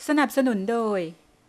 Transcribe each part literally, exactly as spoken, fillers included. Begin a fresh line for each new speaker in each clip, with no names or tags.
สนับสนุนโดย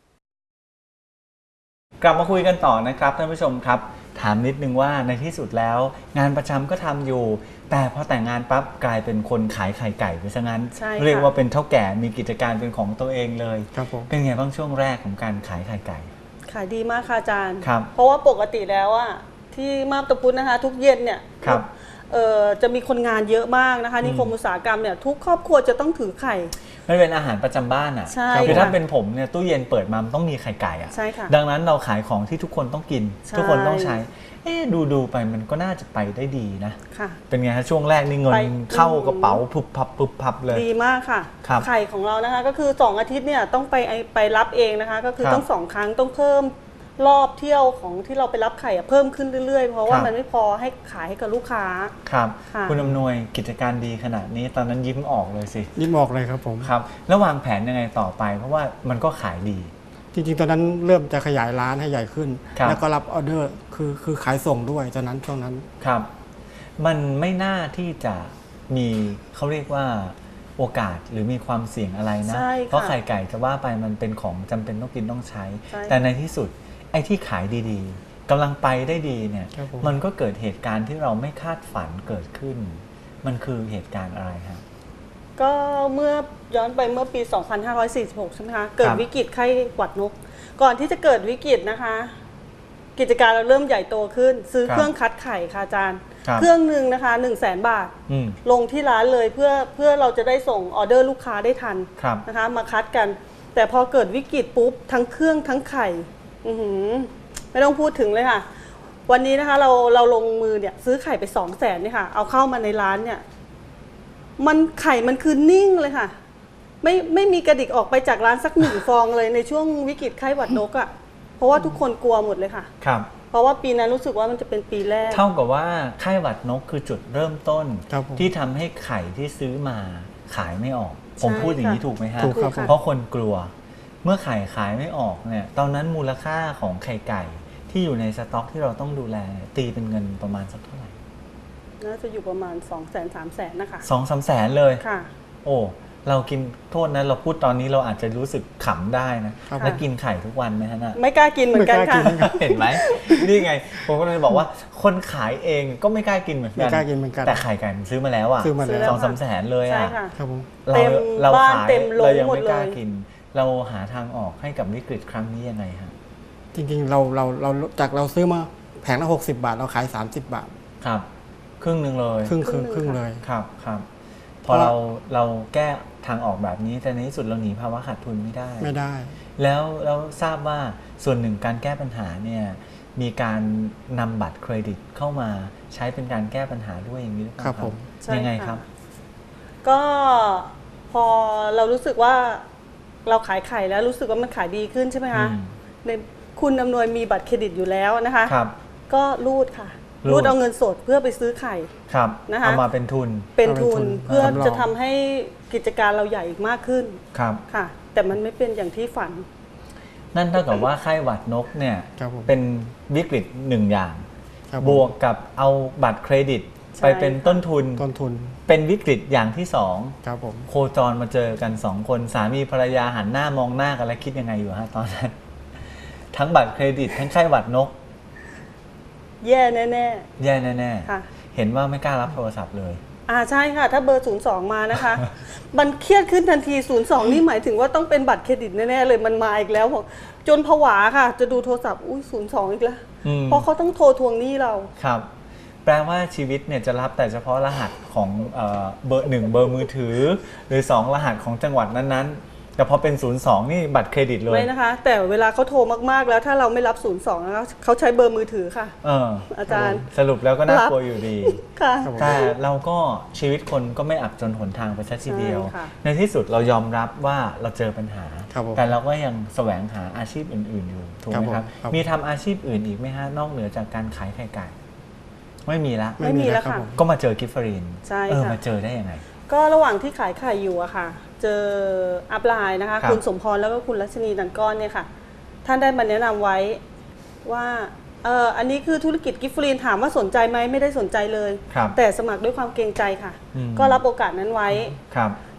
กลับมาคุยกันต่อนะครับท่านผู้ชมครับถามนิดนึงว่าในที่สุดแล้วงานประจำก็ทำอยู่แต่พอแต่งงานปั๊บกลายเป็นคนขายไข่ไก่ไปซะงั้นเรียกว่าเป็นเท่าแก่มีกิจการเป็นของตัวเองเลย
ครับผม
เป็นไงบ้างช่วงแรกของการขายไข่ไก่
ขายดีมากค่ะอาจารย์
ครับ
เพราะว่าปกติแล้วอะที่มาบตาพุธนะคะทุกเย็นเนี่ย
ครับ
เอ่อจะมีคนงานเยอะมากนะคะนิคมอุตสาหกรรมเนี่ยทุกครอบครัวจะต้องถือไข่
มันเป็นอาหารประจำบ้านอ่ะคือถ้าเป็นผมเนี่ยตู้เย็นเปิดมาต้องมีไข่ไก่อ่ะ
ใช่ค่ะ
ดังนั้นเราขายของที่ทุกคนต้องกินทุกคนต้องใช้เอ๊ดูดูไปมันก็น่าจะไปได้ดีนะ
ค่ะ
เป็นไงฮะช่วงแรกนี่เงินเข้ากระเป๋าพุบพับพุบพับเลย
ดีมากค่ะไข่ของเรานะคะก็คือสองอาทิตย์เนี่ยต้องไปไปรับเองนะคะก็คือต้องสองครั้งต้องเพิ่มรอบเที่ยวของที่เราไปรับไข่เพิ่มขึ้นเรื่อยๆเพราะว่ามันไม่พอให้ขายให้กับลูกค้า
ครับคุณอำนวยกิจการดีขนาดนี้ตอนนั้นยิ้มออกเลยสิ
ยิ้มออกเลยครับผม
ครับแล้ววางแผนยังไงต่อไปเพราะว่ามันก็ขายดี
จริงๆตอนนั้นเริ่มจะขยายร้านให้ใหญ่ขึ้นแล้วก็รับออเดอร์คือคือขายส่งด้วยตอนนั้นช่วงนั้น
ครับมันไม่น่าที่จะมีเขาเรียกว่าโอกาสหรือมีความเสี่ยงอะไรนะเพราะไข่ไก่จะว่าไปมันเป็นของจำเป็นต้องกินต้องใช้แต่ในที่สุดไอ้ที่ขายดีๆกำลังไปได้ดีเนี่ยมันก็เกิดเหตุการณ์ที่เราไม่คาดฝันเกิดขึ้นมันคือเหตุการณ์อะไรครับ
ก็เมื่อย้อนไปเมื่อปีสองพันห้าร้อยสี่สิบหกใช่ไหมคะเกิดวิกฤตไข้หวัดนกก่อนที่จะเกิดวิกฤตนะคะกิจการเราเริ่มใหญ่โตขึ้นซื้อเครื่องคัดไข่ค่ะอาจารย์เครื่องหนึ่งนะคะหนึ่งแสนบาทลงที่ร้านเลยเพื่อเพื่อเราจะได้ส่งออเดอร์ลูกค้าได้ทันนะคะมาคัดกันแต่พอเกิดวิกฤตปุ๊บทั้งเครื่องทั้งไข่ไม่ต้องพูดถึงเลยค่ะวันนี้นะคะเราเราลงมือเนี่ยซื้อไข่ไปสองแสนเนี่ยค่ะเอาเข้ามาในร้านเนี่ยมันไข่มันคือนิ่งเลยค่ะไม่ไม่มีกระดิกออกไปจากร้านสักหนึ่งฟองเลยในช่วงวิกฤตไข้หวัดนกอ่ะเพราะว่าทุกคนกลัวหมดเลยค่ะ
ครับ
เพราะว่าปีนั้นรู้สึกว่ามันจะเป็นปีแรก
เท่ากับว่าไข้หวัดนกคือจุดเริ่มต้นที่ทำให้ไข่ที่ซื้อมาขายไม่ออกผมพูดอย่างนี้ถูกไหมฮะเพราะคนกลัวเมื่อไข่ขายไม่ออกเนี่ยตอนนั้นมูลค่าของไข่ไก่ที่อยู่ในสต็อกที่เราต้องดูแลตีเป็นเงินประมาณสักเท่าไหร่
น่าจะอยู่ประมาณ สองแสน สามแสน นะคะ
สองสามแสนเลย
ค่ะ
โอ้เรากินโทษนะเราพูดตอนนี้เราอาจจะรู้สึกขำได้นะแล้วกินไข่ทุกวันไหมฮะน่ะ
ไม่กล้ากินเหมือนกันค่ะ
เห็นไหมนี่ไงผมก็เลยบอกว่าคนขายเองก็ไม่กล้ากินเหมือนกัน
ไม่กล้ากินเหมือนกัน
แต่ไข่ไก่มันซื้อมาแล้วอ่ะ
ซื้อมาแล้ว
สองสามแสนเลยอ่ะ
ครับผม
เราเราขายเรายังไม่กล้ากินเราหาทางออกให้กับวิกฤตครั้งนี้ยังไงฮะ
จริงๆเราเราเราจากเราซื้อมาแผงละหกสิบบาทเราขายสามสิบบาท
ครับครึ่งหนึ่งเลย
ครึ่งครึ่งครึ่งเลย
ครับครับพอเราเราแก้ทางออกแบบนี้แต่ในที่สุดเราหนีภาวะขาดทุนไม่ได้
ไม่ได้
แล้วเราทราบว่าส่วนหนึ่งการแก้ปัญหาเนี่ยมีการนำบัตรเครดิตเข้ามาใช้เป็นการแก้ปัญหาด้วยอย่างนี้หรือเปล่าครับผมยังไงครับ
ก็พอเรารู้สึกว่าเราขายไข่แล้วรู้สึกว่ามันขายดีขึ้นใช่ไหมคะในคุณอำนวยมีบัตรเครดิตอยู่แล้วนะคะก็รูดค่ะรูดเอาเงินสดเพื่อไปซื้อไข่
นะคะเอามาเป็นทุน
เป็นทุนเพื่อจะทำให้กิจการเราใหญ่อีกมากขึ้น
ครับ
ค่ะแต่มันไม่เป็นอย่างที่ฝัน
นั่นเท่ากับว่าไข้หวัดนกเนี่ยเป็นวิกฤตหนึ่งอย่างบวกกับเอาบัตรเครดิตไปเป็นต้นทุน
ต้นทุน
เป็นวิกฤตอย่างที่สอง
ครับผม
โคจรมาเจอกันสองคนสามีภรรยาหันหน้ามองหน้ากันแล้วคิดยังไงอยู่ฮะตอนนั้นทั้งบัตรเครดิตทั้งไข้หวัดนก
แย่แน่แน่
แย่แน่ๆเห็นว่าไม่กล้ารับโทรศัพท์เลย
อ่าใช่ค่ะถ้าเบอร์ศูนย์สองมานะคะมันเครียดขึ้นทันทีศูนย์สองนี่หมายถึงว่าต้องเป็นบัตรเครดิตแน่ๆเลยมันมาอีกแล้วจนผวาค่ะจะดูโทรศัพท์อุ้ยศูนย์สองอีกแล้วเพราะเขาต้องโทรทวงหนี้เรา
ครับแปลว่าชีวิตเนี่ยจะรับแต่เฉพาะรหัสของเบอร์หนึ่งเบอร์มือถือหรือสองรหัสของจังหวัดนั้นๆแต่พอเป็นศูนย์สองนี่บัตรเครดิตเลย
ไม่นะคะแต่เวลาเขาโทรมากๆแล้วถ้าเราไม่รับศูนย์สองนะคะเขาใช้เบอร์มือถือค่ะ
เออ
อาจารย์
สรุปแล้วก็น่ากลัวอยู่ดี
ค่ะ
แต่เราก็ชีวิตคนก็ไม่อับจนหนทางไปซะทีเดียวในที่สุดเรายอมรับว่าเราเจอปัญหาแต่เราก็ยังแสวงหาอาชีพอื่นๆอยู่ถูกไหมครับมีทำอาชีพอื่นอีกไหมฮะนอกเหนือจากการขายไข่ไก่ไม่มีละ
ไม่มีแล้วค่ะ
ก็มาเจอกิฟฟรีน
ใช่
ค่ะมาเจอได้ยังไง
ก็ระหว่างที่ขายไข่อยู่อะค่ะเจออัพไลน์นะคะคุณสมพรแล้วก็คุณรัชนีดันก้อนเนี่ยค่ะท่านได้มาแนะนำไว้ว่าเอออันนี้คือธุรกิจกิฟฟรีนถามว่าสนใจไหมไม่ได้สนใจเลยแต่สมัครด้วยความเกรงใจค่ะก็รับโอกาสนั้นไว้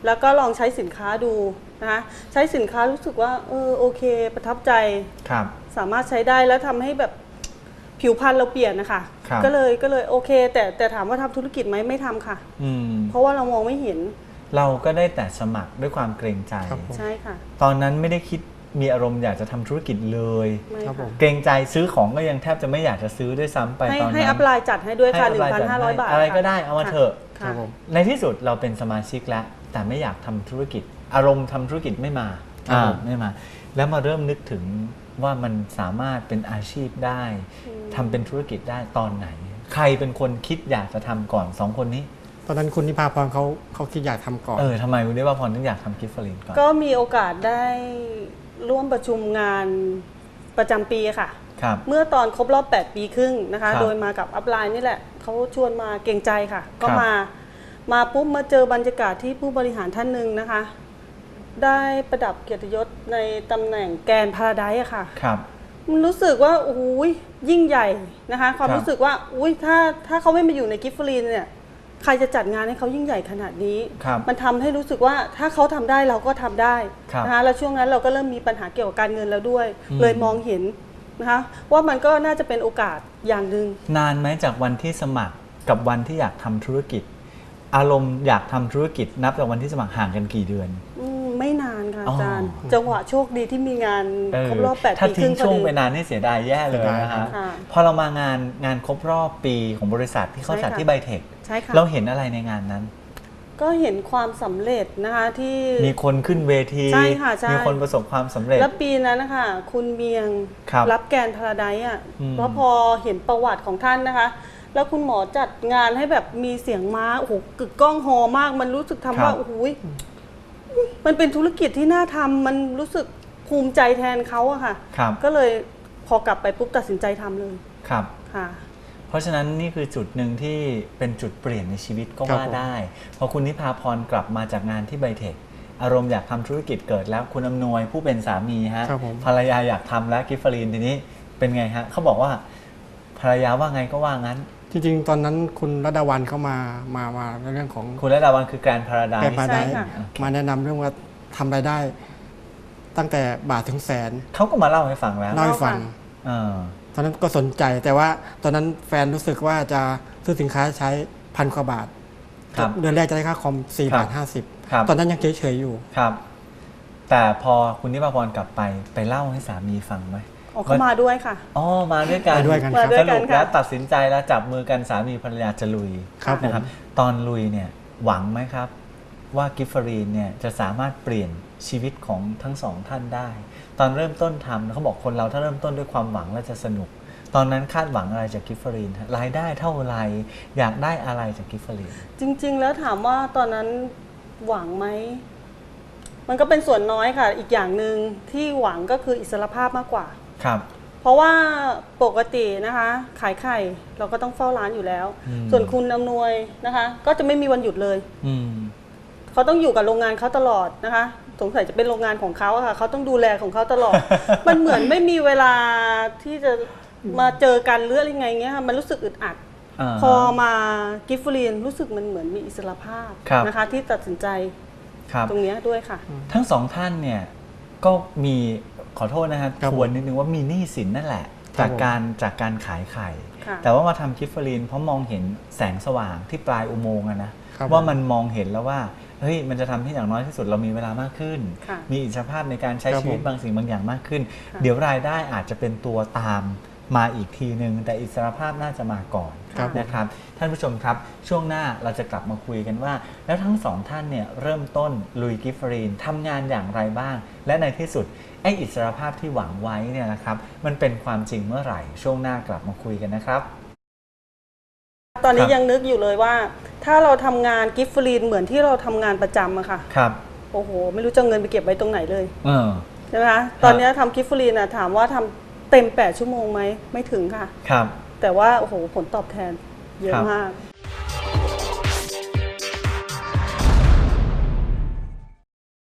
แล้วก็ลองใช้สินค้าดูนะคะใช้สินค้ารู้สึกว่าเออโอเคประทับใจ
ครับ
สามารถใช้ได้แล้วทำให้แบบผิวพรรณเราเปลี่ยนนะคะก็เลยก็เลยโอเคแต่แต่ถามว่าทำธุรกิจไหมไม่ทำค่ะเพราะว่าเรามองไม่เห็น
เราก็ได้แต่สมัครด้วยความเกรงใจ
ใช่ค่ะ
ตอนนั้นไม่ได้คิดมีอารมณ์อยากจะทำธุรกิจเลยเกรงใจซื้อของก็ยังแทบจะไม่อยากจะซื้อด้วยซ้ำไปตอนนั้น
ให้อัพไลน์จัดให้ด้วยค่ะ หนึ่งพันห้าร้อย บาท
อะไรก็ได้เอามาเถอะในที่สุดเราเป็นสมาชิกแล้วแต่ไม่อยากทำธุรกิจอารมณ์ทำธุรกิจไม่มาไม่มาแล้วมาเริ่มนึกถึงว่ามันสามารถเป็นอาชีพได้ทำเป็นธุรกิจได้ตอนไหนใครเป็นคนคิดอยากจะทำก่อนสองคนนี้
ตอนนั้นคุณนิพาพรเขาเขาคิดอยากทำก่อน
เออทำไมคุณนิพาพรถึงอยากทำกิฟต์ฟลินก่อน
ก็มีโอกาสได้ร่วมประชุมงานประจำปีค่ะเมื่อตอนครบรอบแปดปีครึ่งนะคะโดยมากับอัพไลน์นี่แหละเขาชวนมาเกรงใจค่ะก็มามาปุ๊บมาเจอบรรยากาศที่ผู้บริหารท่านหนึ่งนะคะได้ประดับเกียรติยศในตำแหน่งแกรนด์พาราไดซ์ค่ะครับมันรู้สึกว่าโอ้ยยิ่งใหญ่นะคะความรู้สึกว่าอุ้ยถ้าถ้าเขาไม่มาอยู่ในกิฟต์ฟลินเนี่ยใครจะจัดงานให้เขายิ่งใหญ่ขนาดนี้มันทำให้รู้สึกว่าถ้าเขาทำได้เราก็ทำได้นะคะแล้วช่วงนั้นเราก็เริ่มมีปัญหาเกี่ยวกับการเงินแล้วด้วยเลยมองเห็นนะคะว่ามันก็น่าจะเป็นโอกาสอย่างหนึ่ง
นานไหมจากวันที่สมัครกับวันที่อยากทำธุรกิจอารมณ์อยากทำธุรกิจนับจากวันที่สมัครห่างกันกี่เดือน
ไม่นานค่ะอาจารย์จังหวะโชคดีที่มีงานครบรอบแปดปีครึ่งพอดี
ถ้าทิ้งช่วงไปนานนี่เสียดายแย่เลยนะคะพอเรามางานงานครบรอบปีของบริษัทที่เขาจัดที่ไบเทคเราเห็นอะไรในงานนั้น
ก็เห็นความสำเร็จนะคะที่
มีคนขึ้นเวที
ใช่ค่ะใช่
มีคนประสบความสำเร็จ
แล้วปีนั้นนะคะคุณเมียงรับแกรนด์พาราไดซ์อ่ะเพราะพอเห็นประวัติของท่านนะคะแล้วคุณหมอจัดงานให้แบบมีเสียงม้าโอ้โหกึกก้องฮอมากมันรู้สึกทำว่าโอ้โหมันเป็นธุรกิจที่น่าทำมันรู้สึกภูมิใจแทนเขาอะค่ะก็เลยพอกลับไปปุ๊บตัดสินใจทำเลย
ครับ
ค่ะ
เพราะฉะนั้นนี่คือจุดหนึ่งที่เป็นจุดเปลี่ยนในชีวิตก็ว่าได้พอคุณนิพาพรกลับมาจากงานที่ไบเทคอารมณ์อยากทำธุรกิจเกิดแล้วคุณอำนวยผู้เป็นสามีฮะภรรยาอยากทำแล้วกิฟต์ฟลินทีนี้เป็นไงฮะเขาบอกว่าภรรยาว่าไงก็ว่างั้น
จริงๆตอนนั้นคุณรัตวันเข้ามามามาในเรื่องของ
คุณรัตวันคือแกรนด์พาราไดซ์
มาแนะนำเรื่องว่าทำรายได้ตั้งแต่บาทถึงแสน
เขาก็มาเล่าให้ฟังแล้ว
เล่าให้ฟังตอนนั้นก็สนใจแต่ว่าตอนนั้นแฟนรู้สึกว่าจะซื้อสินค้าใช้พันกว่าบาทเดือนแรกจะได้ค่าคอมสี่บาทห้าสิบตอนนั้นยังเฉยๆอยู่
ครับแต่พอคุณนิพาพรกลับไปไปเล่าให้สามีฟังไหม
เขามาด้วยค่ะ
อ๋อมาด้วยกัน
ด้วยกัน
สรุปแล้วตัดสินใจแล้วจับมือกันสามีภรรยาจะลุยนะครับตอนลุยเนี่ยหวังไหมครับว่ากิฟต์ฟลินเนี่ยจะสามารถเปลี่ยนชีวิตของทั้งสองท่านได้ตอนเริ่มต้นทำเขาบอกคนเราถ้าเริ่มต้นด้วยความหวังแล้วจะสนุกตอนนั้นคาดหวังอะไรจากกิฟต์ฟลินรายได้เท่าไรอยากได้อะไรจากกิฟต์ฟลิน
จริงๆแล้วถามว่าตอนนั้นหวังไหมมันก็เป็นส่วนน้อยค่ะอีกอย่างหนึ่งที่หวังก็คืออิสรภาพมากกว่า
ครับ
เพราะว่าปกตินะคะขายไข่เราก็ต้องเฝ้าร้านอยู่แล้วส่วนคุณอำนวยนะคะก็จะไม่มีวันหยุดเลยเขาต้องอยู่กับโรงงานเขาตลอดนะคะสงสัยจะเป็นโรงงานของเขาค่ะเขาต้องดูแลของเขาตลอด มันเหมือนไม่มีเวลาที่จะมาเจอกันหรืออะไรไงเงี้ยค่ะมันรู้สึกอึดอัดพอมากิฟต์ฟลินรู้สึกมันเหมือนมีอิสรภาพนะคะที่ตัดสินใจตรงนี้ด้วยค่ะ
ทั้งสองท่านเนี่ยก็มีขอโทษนะครับทวนนิดนึงว่ามีหนี้สินนั่นแหละจากการจากการขายไข่แต่ว่ามาทำกิฟต์ฟลินเพราะมองเห็นแสงสว่างที่ปลายอุโมงค์นะว่ามันมองเห็นแล้วว่าเฮ้ยมันจะทำให้อย่างน้อยที่สุดเรามีเวลามากขึ้นมีอิสรภาพในการใช้ชีวิตบางสิ่งบางอย่างมากขึ้นเดี๋ยวรายได้อาจจะเป็นตัวตามมาอีกทีนึงแต่อิสรภาพน่าจะมาก่อนนะครับท่านผู้ชมครับช่วงหน้าเราจะกลับมาคุยกันว่าแล้วทั้งสองท่านเนี่ยเริ่มต้นลุยกิฟต์ฟลินทำงานอย่างไรบ้างและในที่สุดไอ้อิสรภาพที่หวังไว้เนี่ยนะครับมันเป็นความจริงเมื่อไหร่ช่วงหน้ากลับมาคุยกันนะครับ
ตอนนี้ยังนึกอยู่เลยว่าถ้าเราทำงานกิฟต์ฟลินเหมือนที่เราทำงานประจำอะค่ะ
ครับ
โอ้โหไม่รู้จะเงินไปเก็บไว้ตรงไหนเลยใช่ไหมคะตอนนี้ทำกิฟต์ฟลินอะถามว่าทำเต็มแปดชั่วโมงไหมไม่ถึงค่ะ
ครับ
แต่ว่าโอ้โหผลตอบแทนเยอะมาก